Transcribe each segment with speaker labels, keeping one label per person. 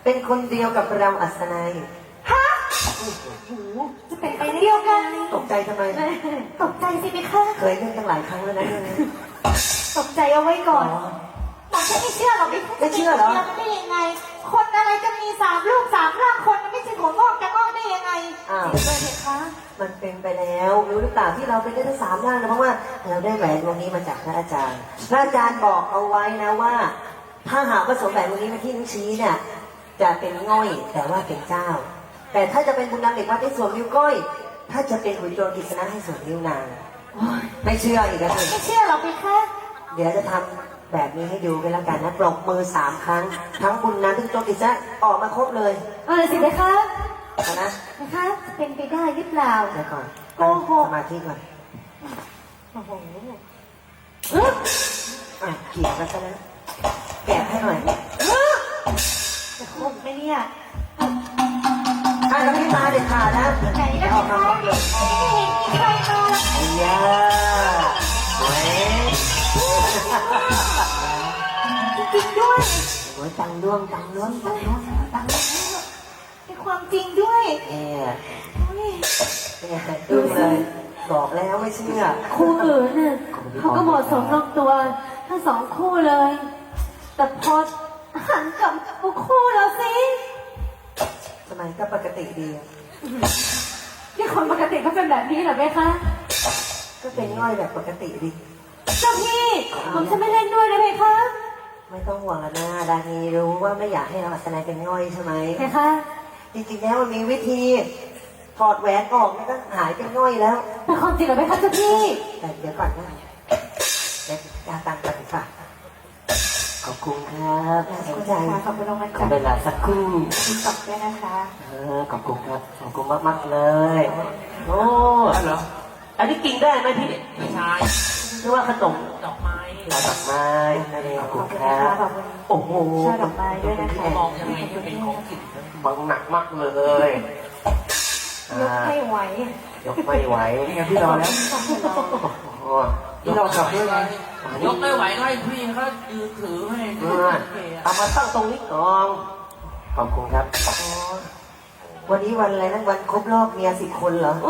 Speaker 1: เป็นคนเดียวกับเราอัศนัย
Speaker 2: ฮะจะเป็นไปเดียวกัน
Speaker 1: ตกใจทำไม
Speaker 2: ตกใจสิไหมคะ
Speaker 1: เคยเล่นตั้งหลายครั้งแล้วนะเรื่องนี้
Speaker 2: ตกใจเอาไว้ก่อนหมอจะไม่เชื่อหรอก
Speaker 1: ไม่เชื่อเหรอ
Speaker 2: มันได้ยังไง คนอะไรจะมี3 ลูก 3 ร่างคนมันไม่ใช่หัวงอกจะงอกได้ยังไง
Speaker 1: อ้าว
Speaker 2: จริงเลยเหรอคะ
Speaker 1: มันเป็นไปแล้วรู้หรือเปล่าที่เราเป็นได้ทั้ง3ร่างนะเพราะว่าเราได้แหวนวงนี้มาจากพระอาจารย์พระอาจารย์บอกเอาไว้นะว่า ถ้าหากว่าสวมแหวนวงนี้มาที่นิ้วชี้เนี่ยจะเป็นง่อยแต่ว่าเป็นเจ้า แต่ถ้าจะเป็นบุญนำเด็กวัดให้สวมนิ้วก้อย ถ้าจะเป็นหุ่นโจรกิษณะให้สวมนิ้วนางไม่เชื่ออีกแล้ว
Speaker 2: ไม่เชื่อหรอกไหมคะ
Speaker 1: เดี๋ยวจะทำแบบนี้ให้ดูกันแล้วกันนะปรบมือ3 ครั้ง ทั้งบุญนั้นทั้งโจรกิษณะออกมาครบเลย
Speaker 2: สิไหมคะ
Speaker 1: เอานะ
Speaker 2: นะคะจะเป็นไปได้หรือเปล่า
Speaker 1: เดี๋ยวก่อน
Speaker 2: โอ้โห
Speaker 1: สมาธิก่อน
Speaker 2: โอ้โห
Speaker 1: เกี่ยวกันซะแล้วแกะให้หน่อย
Speaker 2: จะคงไหมเนี่ย
Speaker 1: ถ้าเราไม่มาเด็ดขาดนะ
Speaker 2: ไหน
Speaker 1: จะ
Speaker 2: นะ
Speaker 1: ออกมา
Speaker 2: คะ
Speaker 1: ครบเลย
Speaker 2: ไม่เห็นมีใครมา
Speaker 1: ไอ้ยาเว้ย
Speaker 2: จริงด้วย
Speaker 1: โอ้ยตังด้วงตังด้วงตังด้วงตังด้วง
Speaker 2: เป็นความจริงด้วย
Speaker 1: เนี่ย
Speaker 2: อุ๊ย
Speaker 1: เนี่ยดูเลย บอกแล้วไม่เชื่อ
Speaker 3: คู่อื่นน่ะเขาก็เหมาะสมลงตัวทั้ง2 คู่เลย แต่พอหันกลับมาคู่เราสิ
Speaker 1: ทำไมก็ปกติดี
Speaker 3: ที่คนปกติเขาเป็นแบบนี้เหรอไหมคะ
Speaker 1: ก็เป็นง่อยแบบปกติดี
Speaker 3: เจ้าพี่ผมจะไม่เล่นด้วยนะไหมคะ
Speaker 1: ไม่ต้องห่วงแล้วนะดานีรู้ว่าไม่อยากให้เราอัศนัยเป็นง่อยใช่ไหม
Speaker 3: ไหมคะ
Speaker 1: จริงๆแล้วมันมีวิธีถอดแหวนออกมันก็หายเป็นง่อยแล้ว
Speaker 3: เป็นความจริงเหรอไหมคะเจ้าพี่
Speaker 1: แต่เดี๋ยวก่อนนะเดี๋ยวจะตังค์ก่อนดีกว่าขอบคุณครับน่าสนใจ
Speaker 2: ขอบคุณรางวัล
Speaker 1: ขอ
Speaker 2: จาก
Speaker 1: เวลาสักครู่
Speaker 2: ติ๊กต็อกด้วยนะคะ
Speaker 1: ขอบคุณครับ ขอบคุณมากๆเลย โอ้เหรอ อันนี้กินได้ไหมพี่
Speaker 4: ไม่ใช่
Speaker 1: หรือว่าขนม
Speaker 4: ดอกไม้
Speaker 1: ดอกไม้นั่นเองขอบคุณครั
Speaker 2: ขอ
Speaker 1: บบ
Speaker 2: คุณ
Speaker 1: โอ้โห
Speaker 2: ช่อดอกไม้ด้วยนะคะ
Speaker 4: มองยังไงให้เป็นของกิน
Speaker 1: บังหนักมากเลย
Speaker 2: ยกให้ไหวย
Speaker 1: กไม่ไหวนี่ไงพี่รอแล้วพี่รอขับด้วยไง
Speaker 4: ยกไม่ไหวก็ให้พี่เขายืนถือให้
Speaker 1: เอามาตั้งตรงนี้ก่อนขอบคุณครับวันนี้วันอะไรนะวันครบรอบเมีย10 คนเหรอ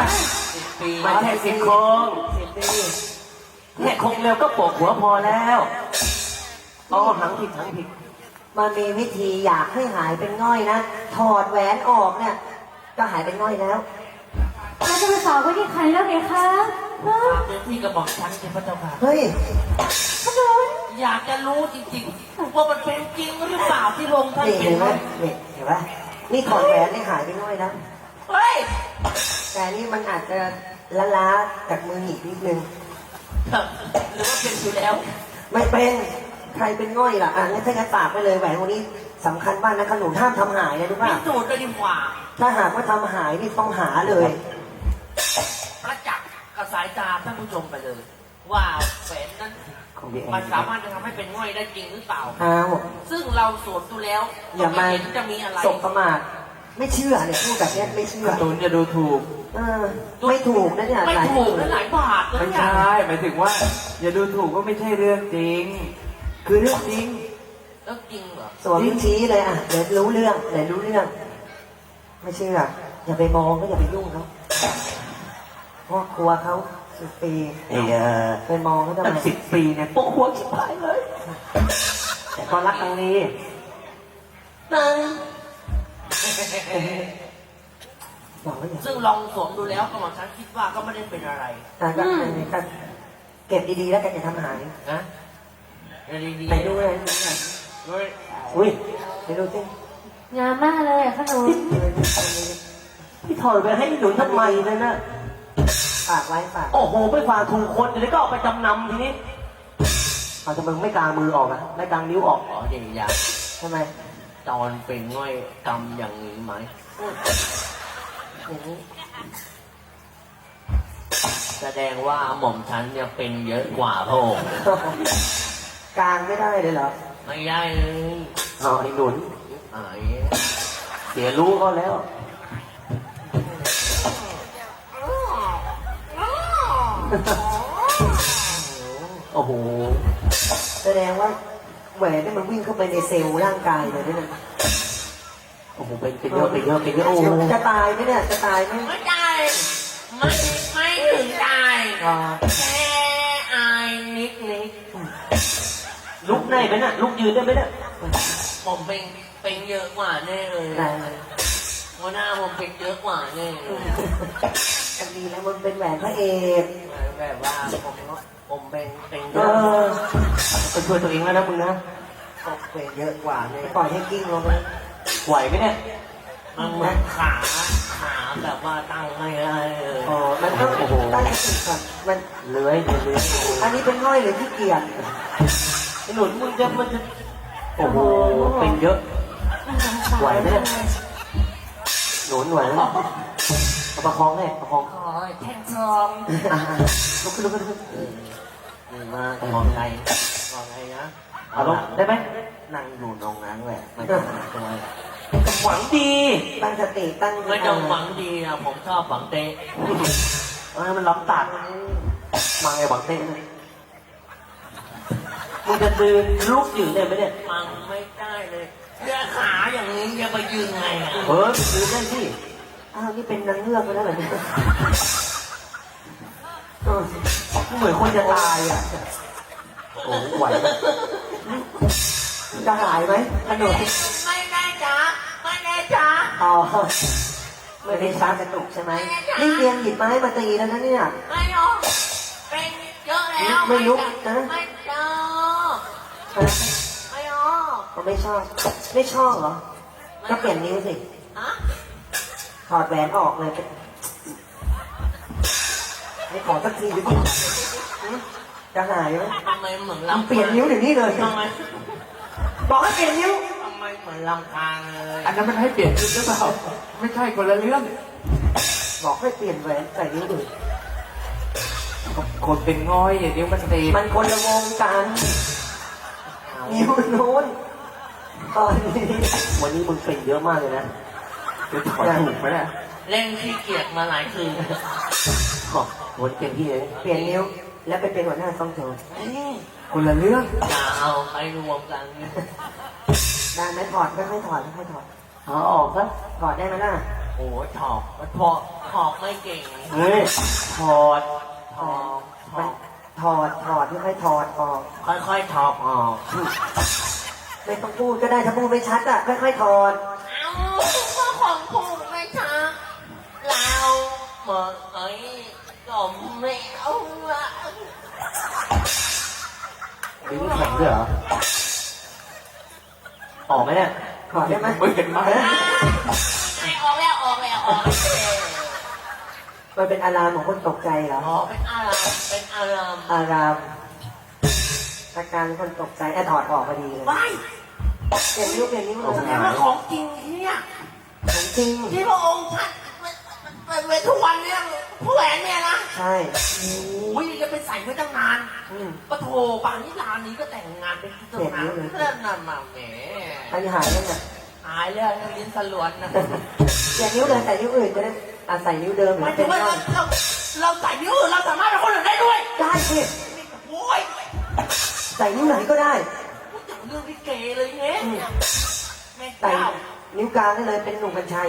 Speaker 4: 10 ปี
Speaker 1: ไม่ใช่10 คน10 ปีแค่คงเร็วก็โปกหัวพอแล้วอ๋อหังผิดมันมีวิธีอยากให้หายเป็นง่อยนะถอดแหวนออกเนี่ยก็หายเป็นง่อยแล้ว
Speaker 3: เราจะมาสาวไว้ที่ใครแล้วไหมคะฮะ
Speaker 4: เป็นที่กระบอกฉันเป็นพระเจ้าค่ะ
Speaker 1: เฮ้ย
Speaker 3: ขนุน
Speaker 4: อยากจะรู้จริงๆว่ามันเป็นจริงหรือเปล่าที่ลงท่าน
Speaker 1: นี่
Speaker 4: เป็
Speaker 1: เห็
Speaker 4: น
Speaker 1: นไหมนี่เห็นไหมนี่ถอดแหวนนี่หายไปน้อยแล้ว
Speaker 4: เฮ้ย
Speaker 1: แต่นี่มันอาจจะล้าๆจากมืออีกนิดนึง
Speaker 4: หรือว่าเป็นอยู่แล้ว
Speaker 1: ไม่เป็นใครเป็นง่อยล่ะงั้นถ้างั้นฝากไปเลยแหวนวันนี้สำคัญมากนะขนุนห้ามทำหายนะรู้
Speaker 4: พิ
Speaker 1: ป่ะ
Speaker 4: สูจน์เลยดีกว่า
Speaker 1: ถ้าหากว่าทำหายนี่ต้องหาเลย
Speaker 4: ประจักษ์กับสายตาท่านผู้ชมไปเลย ว่าแหวนนั้นมันสามารถจะทำให้เป็นง่อยได้จริงหรือเปล่า
Speaker 1: อ้าว
Speaker 4: ซึ่งเราสวมดูแล้ว
Speaker 1: อย่ามา
Speaker 4: เห็นจะมีอะไร
Speaker 1: สบประมาทไม่เชื่อเนี่ยพูดแบบเนี้ยไม่เชื่อ
Speaker 5: ตูนจะดูถูก
Speaker 1: ไม่ถูกนะเนี่ย
Speaker 4: ไม่
Speaker 1: หลาย
Speaker 4: ถูกและหลายบาทเลย
Speaker 5: ไม่
Speaker 4: เนี่ย
Speaker 5: ใช่หมายถึงว่า อย่าดูถูกว่าไม่ใช่เรื่องจริง คือเรื่องจริง
Speaker 4: แล้วจริงเหรอ
Speaker 1: สวมนิ้วชี้เลยอ่ะเดี๋ยวรู้เรื่องเดี๋ยวรู้เรื่อง ไม่เชื่ออย่าไปมองก็อย่าไปยุ่งเขาเพราะกลัวเขา10 ปีไปมองเขาทำ
Speaker 5: ตั้ง
Speaker 1: ไม
Speaker 5: 10 ปีเนี่ยโป๊ะหัวชิบหายเลย
Speaker 1: แต่ก็รักครั้งนี้นั่งบอกว่าอย่า
Speaker 4: ซึ่งลองสวมดูแล้วกำลังฉันคิดว่าก็ไม่ได้เป็นอะไร
Speaker 1: ก็เก็บดีๆแล้วกันอย่าทำหาย
Speaker 4: นะดีๆ
Speaker 1: ไปดูเลย
Speaker 4: เฮ้ย
Speaker 1: อุ้ยไปดูสิ
Speaker 3: งามมากเลยอะขนุน
Speaker 5: พี่ถอดไปให้หนุนทำไมเลยนะ
Speaker 1: ฝากไว้ฝาก
Speaker 5: โอ้โหไม่ฝากถูกคนเดี๋ยวก็เอาไปจำนำทีนี้
Speaker 1: เอาทำไมไม่กางมือออกอ่ะไม่กางนิ้วออก
Speaker 4: อ๋อเดี๋ยวอยาก
Speaker 1: ทำไม
Speaker 4: ตอนเป็นง่อยกำอย่างนี้ไหม
Speaker 1: อย่างนี้
Speaker 4: แสดงว่าหม่อมฉันเนี่ยเป็นเยอะกว่าพระองค์
Speaker 1: กางไม่ได้เลยเหรอ
Speaker 4: ไม่ได้เลย
Speaker 5: เอาไอ้หนุน
Speaker 4: ไอ้
Speaker 5: เสียรู้เขาแล้ว
Speaker 1: โอ้โหแสดงว่าแหวนนี่มันวิ่งเข้าไปในเซลล์ร่างกายเลยด้วยนะ
Speaker 5: โอ้โหเป็นเยอะโอ้โห
Speaker 1: จะตายไหมเนี่ยจะตายไหม
Speaker 4: ไม่ได้ไม่ถึงตาย
Speaker 1: อ๋อ
Speaker 4: แค่อายนิด
Speaker 5: ลุกได้ไหมน่ะลุกยืนได้ไหมน่ะ
Speaker 4: ผมเป็นเยอะกว่าแน่เลย
Speaker 1: ได้
Speaker 4: หัวหน้าผมเป็นเยอะกว่าแน่เลย
Speaker 1: จะดีแล้วมันเป็นแหวนพระเอก
Speaker 4: แบบว่าผมเป็นเย
Speaker 1: เอ
Speaker 4: อะ
Speaker 1: อ
Speaker 5: ไปช่วยตัวเองแล้วนะมึงนะ
Speaker 1: ผมเป็นเยอะกว่าเลยปล่อยให้กิ้งลงไป
Speaker 5: ไหวไหมเนี่ย
Speaker 4: มันเหมือนขาแบบว่าตั้งไม่ได้เลย
Speaker 1: อ๋อมันต้องตั้งสติก่อนมัน
Speaker 5: เลื้อย
Speaker 1: อันนี้เป็นง่อยหรือขี้เกียจ
Speaker 5: ไอ้หนุนมึงจะมันจะโอ้โหเป็นเยอะไหวไหมเนี่ยหนุนไหวไหมเอาประคองให้ประคอง
Speaker 4: ขอแท่งทอง
Speaker 1: อ่าลุกขึ้น
Speaker 4: มามองไงนะ
Speaker 5: เอาลงได้ไหม
Speaker 4: นั่งอยู่ตรงนั้นแหละไม่ต้องตัว
Speaker 5: หวังดี
Speaker 1: ตั้งสติตั้ง
Speaker 4: ไม่ต้องหวังดีอะผมชอบหวังเตะ
Speaker 5: มันล้ำตัดมาไงหวังเต้นมึงจะยืนลุกยืนได้ไหมเนี่ย
Speaker 4: ฟังไม่ได้เลยเสื้อขาอย่างนี้จะไปยืนไงอะ
Speaker 5: ยืนได้ที่
Speaker 1: อ้าวนี่เป็นนางเงือกไปแล้วเหรอเนี่ยเออ
Speaker 5: เหมือนคนจะตายอ่ะโอ้ไหวไหม
Speaker 1: จะหายไหมขนม
Speaker 4: ไม่แน่จ้าไม่แน่จ้า
Speaker 1: อ๋อไม่ได้ช้ากระตุกใช่ไหมนี่เรียนหยิบไม้มาตีแล้วนะเนี่ย
Speaker 4: ไม่หรอกเป็นเยอะแล้ว
Speaker 1: ไม่ลุกนะ
Speaker 4: ไม่เจอ
Speaker 1: ฮะ
Speaker 4: ไม่หรอก
Speaker 1: ผมไม่ชอบ ไม่ชอบเหรอ ก็เปลี่ยนนิ้วสิ
Speaker 4: ฮะ
Speaker 1: ถอดแหวนออกเลยไม่ขอสักทีดิจะหายไหม
Speaker 4: ทำไมเหมือน
Speaker 1: เปลี่ยนนิ้วเดี๋ยวนี้เลย
Speaker 4: ทำไม
Speaker 1: บอกให้เปลี่ยนนิ้ว
Speaker 4: ทำไมเหมือนลำคาญเลย
Speaker 5: อันนั้นมันให้เปลี่ยนชุดหรือเปล่าไม่ใช่คนละเรื่อง
Speaker 1: บอกให้เปลี่ยนแหวนใส่นิ้วอื่น
Speaker 5: คนเป็นง่อยอย่างนี้มันตี
Speaker 1: มันคนละวงกันนิ้วนู้นตอนนี้
Speaker 5: วันนี้มึงเป็นเยอะมากเลยนะจะถอดถูกไหมเนี่ย
Speaker 4: เล่นขี้เกียจมาหลายคืน
Speaker 5: วันเก่งที่เลย
Speaker 1: เปลี่ยนนิ้ว แล้วไปเป็นหัวหน้าซ่องโจร
Speaker 5: คนละเรื่อง
Speaker 4: อย่าเอาไปรวมกัน
Speaker 1: ได้ไหมถอดค่อยๆถอดค่อยๆถอด
Speaker 5: เอาออกซะ
Speaker 1: ถอดได้ไหมล่ะ
Speaker 4: โอ้ยถอกไม่เก่ง
Speaker 5: เฮ้ยถอด
Speaker 4: ถอก
Speaker 1: มันถอดค่อยๆถอดออก
Speaker 4: ค่อยๆถอกออก
Speaker 1: ไม่ต้องพูดก็ได้ถ้าพูดไม่ชัดอ่ะค่อยๆถอด
Speaker 4: เอาก็ของผูกไม่ชักเราเมื่อไอ้ก็ไม่เอาละ
Speaker 5: ลิ้นแข็งด้วยเหรอออกไหมเนี่ย
Speaker 1: ถอดได้ไหม
Speaker 5: ไม่เห็นไหม
Speaker 4: ไม่ออกแล้วออกแล้ว
Speaker 1: มันเป็นอารามของคนตกใจเหรอ
Speaker 4: อ๋อเป็นอารามเป็นอาราม
Speaker 1: อารามอาการคนตกใจถอดออกพอดีเลย
Speaker 4: ว้าย
Speaker 1: เปลี่ยนนิ้วเปลี่ยนนิ้วเล
Speaker 4: แส
Speaker 1: ย
Speaker 4: ดงว่าของจริงเนี่ย
Speaker 1: ของจริง
Speaker 4: ที่พระองค์ท่านเป็นทุกวันเนี่ยผู้แหวนเนี่ยนะ
Speaker 1: ใช่
Speaker 4: โอ้ยจะไปใส่ไว้ตั้งนาน
Speaker 1: อืม
Speaker 4: ปะโถป่านนี้ร้านนี้ก็แต่งงานเป็นที่ตั้งนานเพื่อนนำมาแหม
Speaker 1: อันนี้หายยังไง
Speaker 4: หายแล้วลิ้นสลวนนะ
Speaker 1: เปลี่ยนนิ้วเลยใส่นิ้วอื่นจะได้ใส่นิ้วเดิมหรื
Speaker 4: หมา
Speaker 1: อย
Speaker 4: ถึ
Speaker 1: เป็น
Speaker 4: งว่า
Speaker 1: ร่อง
Speaker 4: เราใส่นิ้วอื่นเราสามารถเป็นคนอื่นได้ด้วย
Speaker 1: ได้สิ
Speaker 4: โอ้ย
Speaker 1: ใส่นิ้วไหนก็ได้
Speaker 4: พูดถึงเรื่องที่เกเลยเนี่ยแม่
Speaker 1: ใส่
Speaker 4: เจ้า
Speaker 1: นิ้วกลางได้เลยเป็นหนุ่มกัญชัย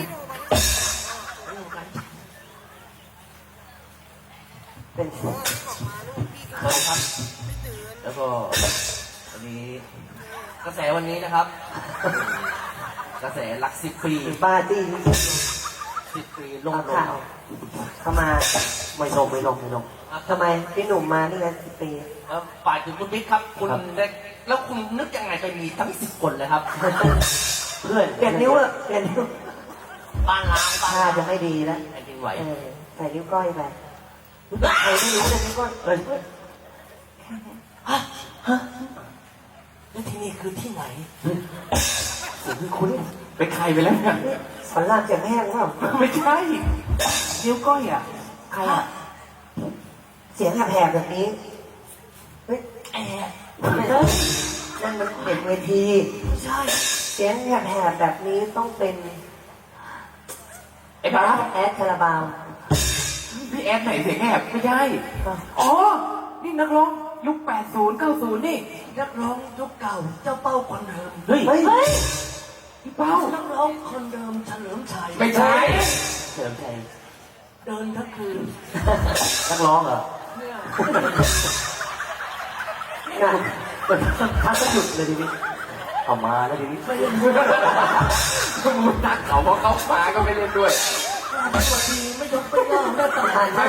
Speaker 1: เป็น
Speaker 4: ครับแล้วก็วันนี้กระแสวันนี้นะครับ กระแสรัก10 ปี
Speaker 1: บ้าจี้
Speaker 4: 10 ปีล
Speaker 1: ล
Speaker 4: ง
Speaker 1: ง
Speaker 4: ล
Speaker 1: ข่าว
Speaker 4: ง
Speaker 1: เข้ามา
Speaker 5: ไม่ลงไม่ลงไม่ลง
Speaker 1: ทำไมพี่หนุ่มมานี่ไง10 ปี
Speaker 4: แล้วฝ่ายถึงคุณบิ๊กครับ คุณได้แล้วคุณนึกยังไงไปมีทั้ง10 คนเลยครับ
Speaker 5: เพื่อน
Speaker 1: เปลี่ยนนิ้วอะเปลี่ยนนิ้ว
Speaker 4: บ้านล้างบ้าน
Speaker 1: ท่าจะไม่ดีแล้ว
Speaker 4: แผ่นดินไหว
Speaker 1: ใส่นิ้วก้อยไปรู้จักใครไม่รู้เลยนิ้วก้อย
Speaker 5: เอ้ย
Speaker 4: แล้วที่นี่คือที่ไหน
Speaker 5: เสียงคุ้นเป็นใครไปแล้วเนี่ย
Speaker 1: สอนรามเสียงแห้งเปล่า
Speaker 5: ไม่ใช่นิ้วก้อยอ่ะ
Speaker 1: ใครอะเสียงแหบๆแบบนี้เฮ้ย
Speaker 4: แอบ
Speaker 1: ไม่ใช่นั่นมันเด็กเวที
Speaker 4: ไม่ใช่
Speaker 1: เสียงแหบๆแบบนี้ต้องเป็น
Speaker 5: ไอ้บ้า
Speaker 1: แอดคาราบาว
Speaker 5: พี่แอดไหนเสียงแหบไม่ใช่อ๋อนี่นักร้องยุค80 90นี่
Speaker 4: นักร้องยุคเก่าเจ้าเป้าคนเดิม
Speaker 5: เฮ้ย
Speaker 1: เฮ้ย
Speaker 5: พี่เป้า
Speaker 6: นักร้องคนเดิมเฉลิมชัย
Speaker 4: ไม่ใช่
Speaker 5: เฉลิมชัย
Speaker 6: เดินทั้งคืน
Speaker 5: นักร้องเหรอ
Speaker 6: เนี่ย
Speaker 1: น่ะ
Speaker 5: พักก็หยุดเลยทีนี้เอามาแล้วทีนี้
Speaker 6: ไม่ได้พูด
Speaker 4: ก็มึงนัดเขาเพราะเขามาก็ไม่เล่นด้วย
Speaker 6: สวัสดีไม่ยกไม่ย่อแม่ตา
Speaker 1: ผ่านมา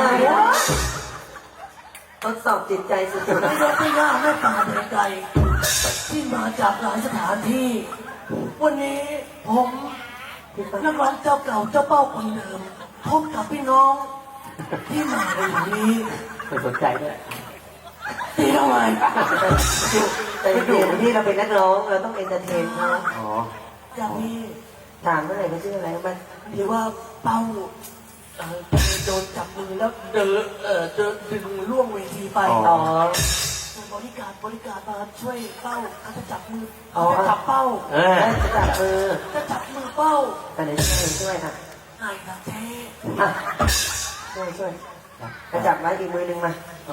Speaker 1: ทดสอบจิตใจสุด
Speaker 6: ไม่ยกไม่ย่อแม่ตาเดินไกลที่มาจากหลายสถานที่ วันนี้ผมนักร้องเจ้าเก่าเจ้าเป้าคนเดิมพบกับพี่น้อง ที่มาในวันนี้
Speaker 5: ไม่สนใจด้วย
Speaker 6: ตีทำไม
Speaker 1: ๆแต่เดี๋ยวที่เราเป็นนักร้องเราต้องเอนเตอร์เทนเขา
Speaker 5: อ๋อ
Speaker 6: อย่างนี้
Speaker 1: ถามเมื่อไหร่เขาชื่ออะไรมัน
Speaker 6: หรือว่าเป้าโดนจับมือแล้วเดินดึงล่วงเวทีไป
Speaker 1: อ๋อ
Speaker 6: บริการมาช่วยเป้าเขาจะจับมือเขาจะจับเป้า
Speaker 5: เออ
Speaker 1: จะจับมือ
Speaker 6: จะจับมือเป้า
Speaker 1: แต่เดี๋ยวช่วยอ่ะ
Speaker 6: ไอ้นะเจ๊
Speaker 1: อ่ะช่วยจะจับไว้อีกมือนึงมา
Speaker 5: โอ้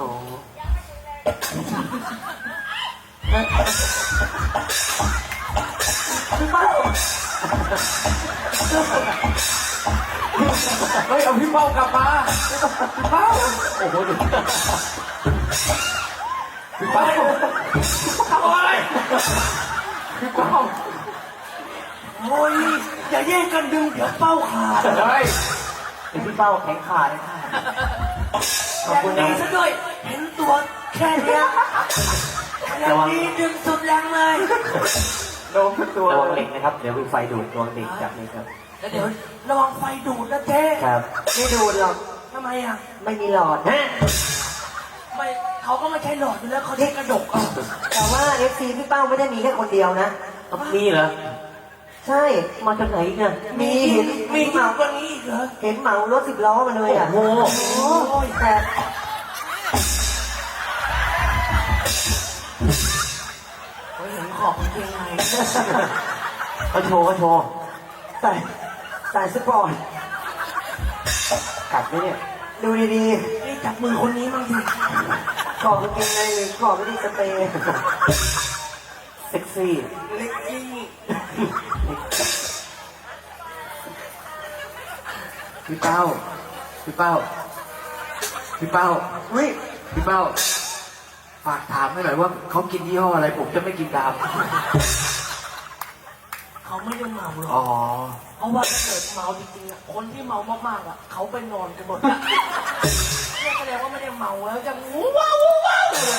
Speaker 4: เฮ้ย เอาพี่เป้ากลับมาพี่เป้า
Speaker 5: โอ้โหดู
Speaker 4: พี่เป้าทำอะไรพี่เป้า
Speaker 6: โอ้ยอย่าแย่งกันดึงเดี๋ยวเป้าขาด
Speaker 4: เฮ้ย
Speaker 5: เป็นพี่เป้าแข็งขาเลยค่ะ
Speaker 6: อย่างนี้ซะด้วยเห็นตัวแค่เนี้ยอย่างนี้ดึงสุดแรงเลย
Speaker 4: โดนตัว
Speaker 5: ระวังเหล็กนะครับ เดี๋ยวมีไฟดูดระวังเหล็กจับนี่ครับ
Speaker 6: แล้วเดี๋ยวระวังไฟดูดนะเจ๊
Speaker 5: ครับ
Speaker 1: ไม่ดูหรอก
Speaker 6: ทำไมอ่ะ
Speaker 1: ไม่มีหลอด
Speaker 5: ฮะ
Speaker 6: ไม่เขาก็ไม่ใช่หลอดอยู่แล้วเขาใช้กระดกเอา
Speaker 1: แต่ว่าเอฟซีพี่เป้าไม่ได้มีแค่คนเดียวนะ
Speaker 5: มีเหรอ
Speaker 1: ใช่
Speaker 5: มาจากไหนเนี่ย
Speaker 1: มีเห็น
Speaker 6: มี
Speaker 1: เห
Speaker 6: มาก
Speaker 1: มาก
Speaker 6: ว่านี้อีกเหรอ
Speaker 1: เห็นเหมารถ10 ล้อมาเลยอ่ะ
Speaker 5: โอ้โห
Speaker 1: โอ้ยแต่
Speaker 6: เขาเห็นขอบกางเกงใน
Speaker 5: เขาโชว์เขาโชว์
Speaker 1: ใส่สปอร์ต
Speaker 5: กัดไหมเนี่ย
Speaker 1: ดูดี
Speaker 6: นี่จับมือคนนี้มั่งสิ
Speaker 1: ๆขอบกางเกงในหรือขอบไม่ได้สเปรย์
Speaker 5: เซ็กซี่
Speaker 6: เล็กซี่
Speaker 4: พี่เป้าพี่เป้าพี่เป้า
Speaker 1: อุ้ย
Speaker 4: พี่เป้าฝากถามให้หน่อยว่าเขากินยี่ห้ออะไรผมจะไม่กินตาม
Speaker 6: เขาไม่ได้เมาหรอก
Speaker 4: อ๋อ
Speaker 6: เพราะว่าถ้าเกิดเมาจริงๆอ่ะคนที่เมามากๆอ่ะเขาไปนอนกันหมดอะเนี่ยแสดงว่าไม่ได้เมาแล้วจะวู้ว้าววู้ว้าวเลย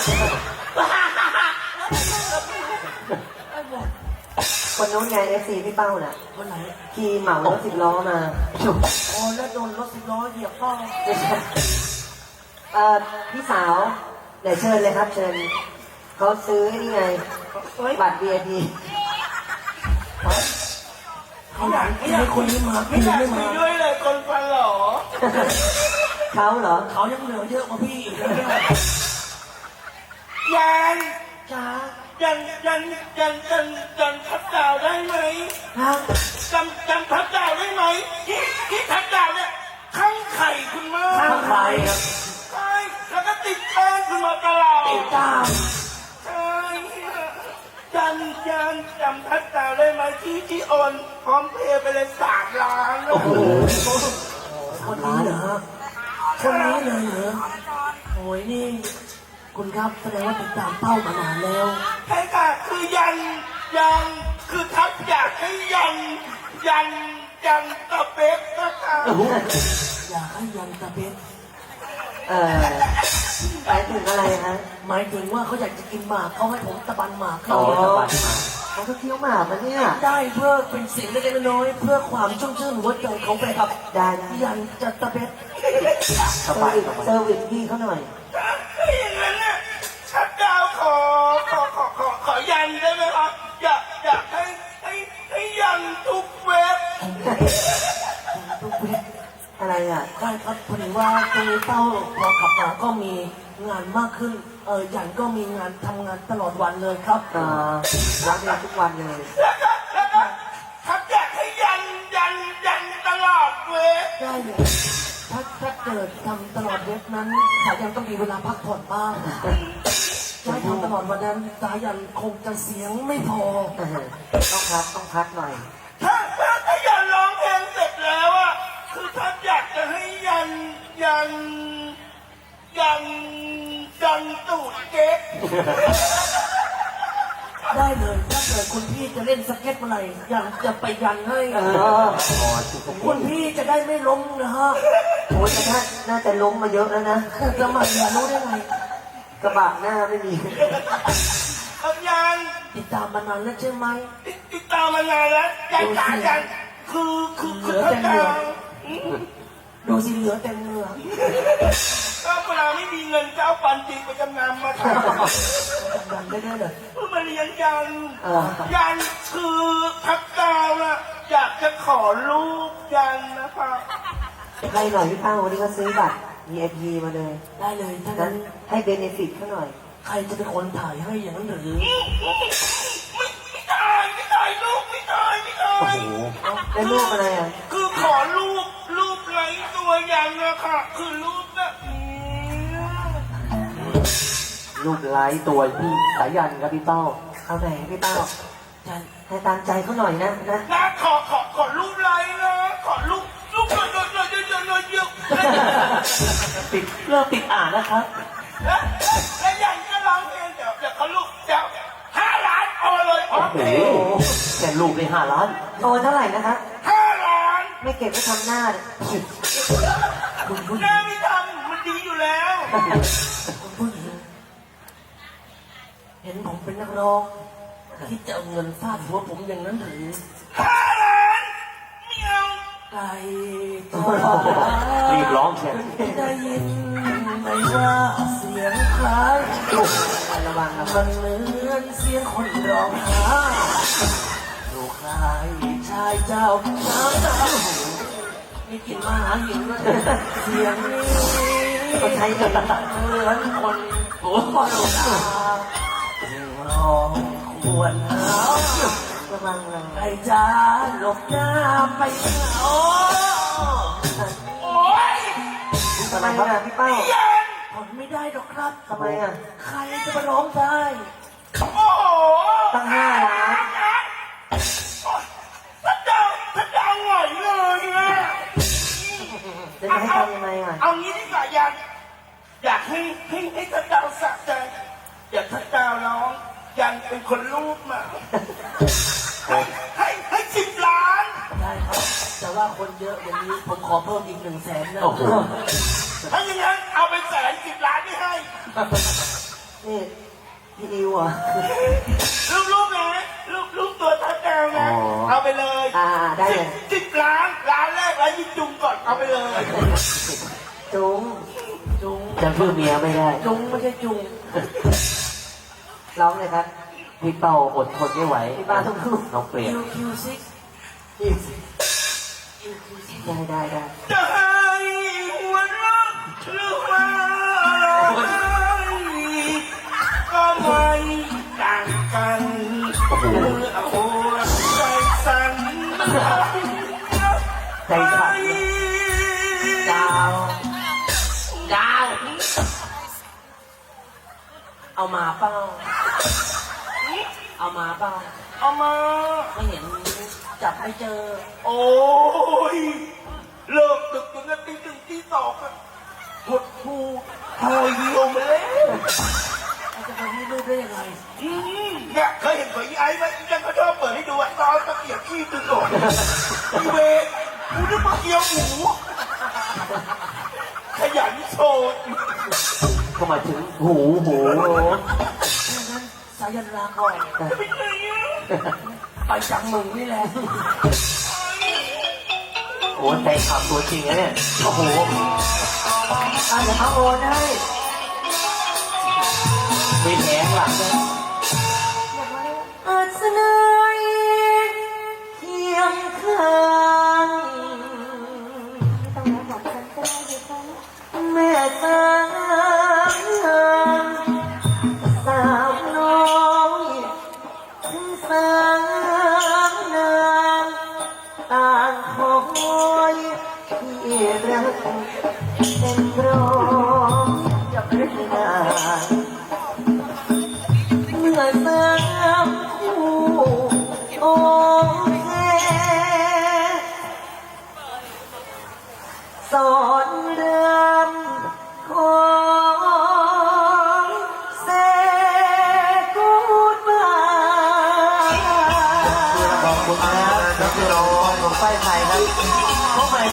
Speaker 6: ไอ้หมด
Speaker 1: คนนู้นไงเอฟซีพี่เป้าน่ะ
Speaker 6: คนไหน
Speaker 1: ขี่เหมารถ10 ล้อมา
Speaker 6: อ๋อแล้วโดนรถสิบล้อเหยียบเป้า
Speaker 1: ไม่ใช่พี่สาวเดี๋ยวเชิญเลยครับ เชิญเขาซื้อนี่ไง
Speaker 6: เฮ้ย
Speaker 1: บัตร VIP
Speaker 6: เขาอยากให้คนนี้มาพี่ไม่มาด้วยเลยคนฟันหรอ
Speaker 1: เขาเหรอ
Speaker 6: เขายังเหลือเยอะกว่าพี่อีกนะเนี่ยยังจ้ายังทับดาวได้ไหม
Speaker 1: ฮะ
Speaker 6: จำทับดาวได้ไหมที่ทับดาวเนี่ยข้างไข่คุณมาก
Speaker 5: ข้างใครครับ
Speaker 6: ใช่แล้วก็ติดแป้งคุณมาตลอดติดตามใช่จำทับดาวได้ไหมที่โอนพร้อมเพย์ไปเลย3 ล้าน
Speaker 5: โอ้โห
Speaker 6: คนนี้เหรอคนนี้เลยเหรอโอ้ยนี่คุณครับแสดงว่าติดตามเป้ามานานแล้วใช่ค่ะคือยันคือทับอยากให้ยันตะเป๊กนะคะอยากให้ยันตะเป๊ก
Speaker 1: หมายถึงอะไรฮะ
Speaker 6: หมายถึงว่าเขาอยากจะกินหมากเขาให้ผมตะบันหมาก
Speaker 5: อ๋
Speaker 6: เขา
Speaker 5: อสบายมา
Speaker 1: เขาก็เคี้ยวหมากมาเนี่ย
Speaker 6: ได้เพื่อเป็นเสียงเล็กๆน้อยๆเพื่อความชุ่มชื่นหัวใจเขาไปครับ
Speaker 1: ได้นะ
Speaker 6: ยันจะตะเป๊ก
Speaker 5: สบายสบาย
Speaker 1: เซอร์วิสพี่เขาหน่อย
Speaker 6: อย่างนั้นน่ะชัดดาวขอยันได้ไหมครับอยากให้ยันทุกเว็บทุกเว็บ
Speaker 1: อะไรอ่ะ
Speaker 6: ได้ครับพอดีว่าตรงนี้เต้าพอกลับมาก็มีงานมากขึ้นยันก็มีงานทำงานตลอดวันเลยครับ
Speaker 1: รับงานทุกวันเลย
Speaker 6: แล้วก็ครับอยากให้ยันตลอดเว็บได้เลยถ้าเกิดทำตลอดเว็บนั้นสายันต้องมีเวลาพักผ่อนบ้างถ้าทำตลอดวันนั้นสายันคงจะเสียงไม่พอ
Speaker 1: ต้องพักหน่อย
Speaker 6: ทยันตูดเก๊กได้เลยถ้าเกิดคุณพี่จะเล่นสเก็ตเมื่อไหร่ยังจะไปยันให้ คุณพี่จะได้ไม่ล้มนะฮะ
Speaker 1: โอ้ยแต่ท่านน่าจะล้มมาเยอะแล้วนะ
Speaker 6: จะมาอย่ารู้ได้ไง
Speaker 1: กระบะหน้าไม่มี
Speaker 6: เอายังติดตามมานานแล้วใช่ไหมติดตามมานานแล้วยังคือเหลือแต่เนื้อดูสิเหลือแต่เนื้อก็เวลาไม่มีเงินจะเอาปันจริงไปจำนำมาทำยันได้เลยเพื่อมาเรียนยันคือทักดาวนะอยากจะขอรูปยันนะคะ
Speaker 1: ใครหน่อยพี่ป้าวันนี้ก็ซื้อบัตร VIP มาเลย
Speaker 6: ได้เลยถ้า
Speaker 1: นั้
Speaker 6: งั้
Speaker 1: น
Speaker 6: น
Speaker 1: ให้เบเนฟิตเขาหน่อย
Speaker 6: ใครจะเป็นคนถ่ายให้อย่างนั้นหรือไม่ถ่ายรูปไม่ถ่าย
Speaker 1: โอ้โหได้รูปอะไรอ่ะ
Speaker 6: คือขอรูปไร้ตัวยันนะคะคือรูปแบบนี้
Speaker 5: ลูกไร้ตัวพี่สายันครับพี่เป้า
Speaker 1: เอาไหนพี่ป้า
Speaker 6: ยัน
Speaker 1: ให้ตามใจเขาหน่อยนะ
Speaker 6: นะขอรูปไร้นะขอรูปหน่อยเดียว
Speaker 5: เริ่มติดอ่านนะครับ
Speaker 6: แล้วยันก็ร้องเพลงเดี๋ยวเขารูปเดี๋ยว5 ล้านเอาเลยโอ
Speaker 5: โอ้
Speaker 6: เค
Speaker 5: โหแต่ลูกใน5 ล้าน
Speaker 1: โตเท่าไหร่นะคะ
Speaker 6: 5 ล้าน
Speaker 1: ไม่เก็บไว้ทำหน้าเลย
Speaker 6: หน้าไม่ทำมันดีอยู่แล้วคุณผู้หญิงเห็นผมเป็นนักร้องที่จะเอาเงินฟาดหัวผมอย่างนั้นหรือ5 ล้านไม่เอาไก่ตัว
Speaker 5: รีบร้องเชียว
Speaker 6: ได้ยินไหมว่าเสียงคล้าย
Speaker 1: ระวังนะ
Speaker 6: มันเหมือนเสียงคนร้องไห้ลูกชายชายเจ้าน้ำตามีกลิ่นมาหาหิวแล้วเสียงนี้
Speaker 1: เขาใช้เงิน
Speaker 6: เหมือนคนตัวคนตาร้องควรหาว
Speaker 1: ระวังนะ
Speaker 6: ไอ้จ้าหลบหน้าไปโอ้ย
Speaker 1: ทำไมครับพี่เป้า
Speaker 6: ยันทนไม่ได้หรอกครับ
Speaker 1: ทำไมอ่ะ
Speaker 6: ใครจะมาร้องได้โอ้โห
Speaker 1: ตั้ง5 ล้าน
Speaker 6: ถ้าดาวไหวเลยเนี่ย
Speaker 1: จะให้ทำยังไงอ่ะ
Speaker 6: เอางี้ดีกว่ายันอยากให้ถ้าดาวสะใจอยากถ้าดาวร้องยันเป็นคนรูปมาให้10 ล้านได้ครับแต่ว่าคนเยอะอย่างนี้ผมขอเพิ่มอีก100,000นะ
Speaker 5: โอ้โห
Speaker 6: ถ้าอย่างนั้นเอาไป110 ล้านไม่ให้
Speaker 1: นี่พี่ดิวอ่ะ
Speaker 6: รูปนะรูปตัวทัดดาวนะเอาไปเลย
Speaker 1: ได้เลย
Speaker 6: 10 ล้านแรกแล้วยิ่งจุงก่อนเอาไปเลย
Speaker 1: จุง
Speaker 6: จุง
Speaker 5: จะเพื่อเมียไม่ได้
Speaker 6: จุงไม่ใช่จุง
Speaker 1: ร้องเลยครับ
Speaker 5: พี่เป้าอดทนไม่ไหว
Speaker 1: พี่ป้าต้องพูด
Speaker 5: น้องเปลี่ยน
Speaker 6: Q6
Speaker 1: ได้
Speaker 6: จะให้หัวเราะหรือว่าร้องไห้ก็ไม่ต่างกัน
Speaker 5: โอ้โห
Speaker 6: โอ้ใจสั่น
Speaker 5: ใจสั่น
Speaker 6: ดาวเอามาเปล่าเอามาไม่เห็นจับไม่เจอ โอ้ยเลิกดึกจนตี 1 ตี 2อะหดหูโอยเยี่ยวมาแล้วจะไปให้รูปได้ยังไงเนี่ยเคยเห็นของไอ้ไหมยังก็ชอบเปิดให้ดูอะตอนตะเกียบขี้ตึงก่อนอีเวกกูนึกว่าเกี๊ยวหมูขยันโชว์
Speaker 5: เข้ามาถึงหู
Speaker 6: สายันลาก่อนไปจังมึงนี่แหละ
Speaker 5: โอ้ใจขับตัวจริงนะเนี่ย โอ้โห
Speaker 1: เดี๋ยวเขาโอนให้
Speaker 5: มีแผงหลังด้วย
Speaker 1: อาจเสนอเคียงข้างแม่สาวน้อยถึงสาวนางต่างคอยที่รักเป็นร้องจะเป็นนางเมื่อสามคู่โอเคสอนเรื่อง
Speaker 5: ขอบคุณครับน้องเสือของป้ายไทยครับ